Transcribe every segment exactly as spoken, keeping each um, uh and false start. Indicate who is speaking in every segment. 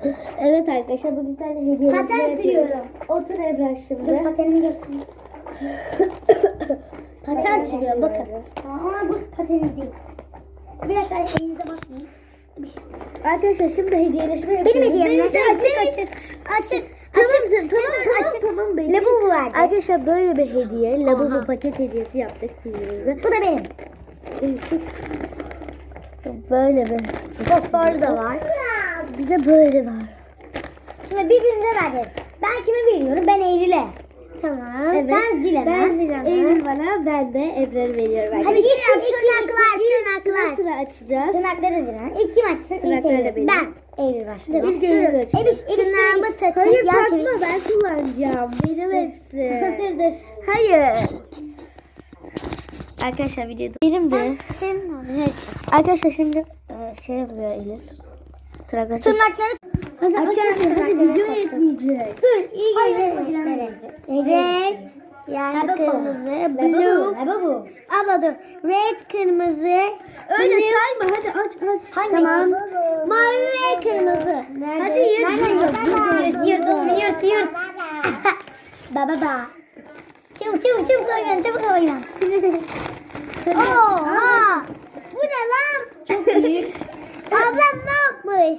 Speaker 1: Evet arkadaşlar bu güzel hediye.
Speaker 2: Paten sürüyorum.
Speaker 1: Otur Ebrar şimdi.
Speaker 2: Dur patenimi göstereyim. Paten sürüyor bakın. Ama bu pateni değil. Bir dakika elinize bakmayın.
Speaker 1: Arkadaşlar şimdi hediyeleşme yapıyoruz.
Speaker 2: Benim hediyem
Speaker 1: Benimki
Speaker 2: ne?
Speaker 1: açık açık.
Speaker 2: Açık.
Speaker 1: Tamam
Speaker 2: Açık.
Speaker 1: tamam tamam
Speaker 2: Açık.
Speaker 1: tamam benim.
Speaker 2: Labubu verdi.
Speaker 1: Arkadaşlar böyle bir hediye. Labubu
Speaker 2: Aha.
Speaker 1: paket hediyesi yaptık birbirimize.
Speaker 2: Bu da benim.
Speaker 1: Böyle bir.
Speaker 2: Fosforlu da var.
Speaker 1: Bir de böyle var.
Speaker 2: Şimdi birbirimize vereceğiz. Ben kime veriyorum? Ben Eylül'e. Tamam.
Speaker 1: Evet.
Speaker 2: Sen Zilem'e.
Speaker 1: Ben Zilem'e. Eylül bana, ben de Ebrar'ı veriyorum.
Speaker 2: Hadi Zilem tırnaklar tırnaklar.
Speaker 1: Sıra sıra açacağız.
Speaker 2: Tırnakları Zilem. İlk kim açsın? İlk
Speaker 1: Tırnakları da
Speaker 2: Eylül.
Speaker 1: benim.
Speaker 2: Ben. Eylül başlıyor.
Speaker 1: İlk Eylül
Speaker 2: Durun.
Speaker 1: açıyor.
Speaker 2: Ebiş, Ebiş tırnağımı takın.
Speaker 1: Hayır
Speaker 2: Yan
Speaker 1: takma,
Speaker 2: çevir.
Speaker 1: ben kullanacağım. Benim hepsi.
Speaker 2: Dur dur.
Speaker 1: Hayır. Arkadaşlar videoda. Benim de.
Speaker 2: Senin oldu.
Speaker 1: Arkadaşlar şimdi e, şey yapıyor Eylül. Tırnakları.
Speaker 2: Tırnakları.
Speaker 1: Hadi
Speaker 2: Açıyorum
Speaker 1: açalım. Hadi
Speaker 2: tırnakları.
Speaker 1: video yetmeyecek.
Speaker 2: Dur iyi görünüyor. Red. Yani kırmızı. Blue.
Speaker 1: Labubu.
Speaker 2: Abla dur. Red kırmızı.
Speaker 1: Öyle
Speaker 2: blue.
Speaker 1: sayma, hadi aç aç.
Speaker 2: Tamam. Mavi ve kırmızı. Nerede?
Speaker 1: Hadi yırt.
Speaker 2: Nereden yırt? Yırt, yırt onu yırt, yırt. Baba ba. Çabuk çabuk çabuk oynan, çabuk oynan. Oha! Bu ne lan? Çok büyük. Ablam ne yapmış?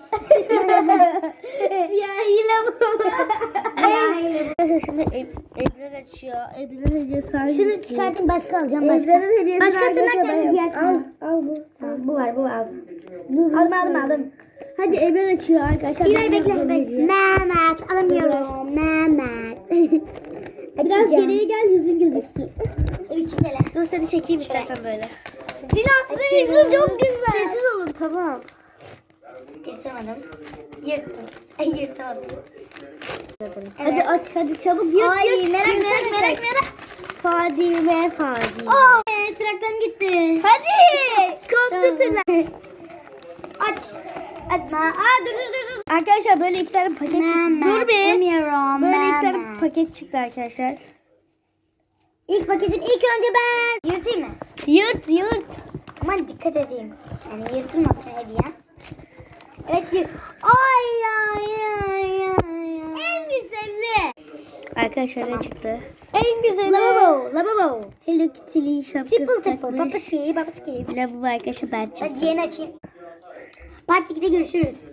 Speaker 2: Siyahiyle bu.
Speaker 1: Arkadaşlar şimdi Eb- Ebrar açıyor. Ebrar'ın hediyesi hangisi?
Speaker 2: Şunu çıkartayım başka alacağım başka.
Speaker 1: Ebrar'ın hediyesi
Speaker 2: Başka
Speaker 1: hangisi?
Speaker 2: tırnaklarını
Speaker 1: Ben-
Speaker 2: diğer
Speaker 1: Al,
Speaker 2: tırnak.
Speaker 1: al bu.
Speaker 2: Tamam, bu var bu aldım.
Speaker 1: Dur,
Speaker 2: Aldım aldım aldım.
Speaker 1: Hadi Ebrar açıyor arkadaşlar.
Speaker 2: Bir
Speaker 1: Ben
Speaker 2: ay bekle
Speaker 1: yapacağım
Speaker 2: bekle.
Speaker 1: hediye.
Speaker 2: Mehmet alamıyorum. Mehmet.
Speaker 1: Biraz
Speaker 2: Açacağım.
Speaker 1: geriye gel, yüzün gözüksün.
Speaker 2: Üç kere.
Speaker 1: Dur seni çekeyim istersen böyle.
Speaker 2: Silahsız yüzü çok güzel.
Speaker 1: Sessiz olun, tamam.
Speaker 2: Yırtamadım. Yırttım. Ay yırtamadım.
Speaker 1: Hadi aç, hadi çabuk yırt
Speaker 2: Ay
Speaker 1: yırt.
Speaker 2: merak
Speaker 1: Yırt,
Speaker 2: merak
Speaker 1: yırt.
Speaker 2: merak merak.
Speaker 1: Fadime Fadime.
Speaker 2: Aa, e, traktörüm gitti. Hadi.
Speaker 1: Koptu tırnak.
Speaker 2: Aç. Açma. Aa dur dur dur. dur.
Speaker 1: Arkadaşlar böyle iki tane paket çıktı.
Speaker 2: Mehmet,
Speaker 1: Dur bir.
Speaker 2: umuyorum,
Speaker 1: Böyle iki tane
Speaker 2: Mehmet.
Speaker 1: paket çıktı arkadaşlar.
Speaker 2: İlk paketim ilk önce ben. Yırtayım mı?
Speaker 1: Yırt yırt.
Speaker 2: Aman dikkat edeyim. Yani yırtılmasın hediyem. Evet yırt. Ay ay ay ay. En güzeli.
Speaker 1: Arkadaşlar ne çıktı?
Speaker 2: En güzeli. Lavabo. Lavabo.
Speaker 1: Hello Kitty'li şapkası
Speaker 2: Simple simple.
Speaker 1: takmış.
Speaker 2: Papaski. Papaski.
Speaker 1: Lavabo arkadaşlar ben çıktım.
Speaker 2: Hadi yeni açayım. Part ikide görüşürüz.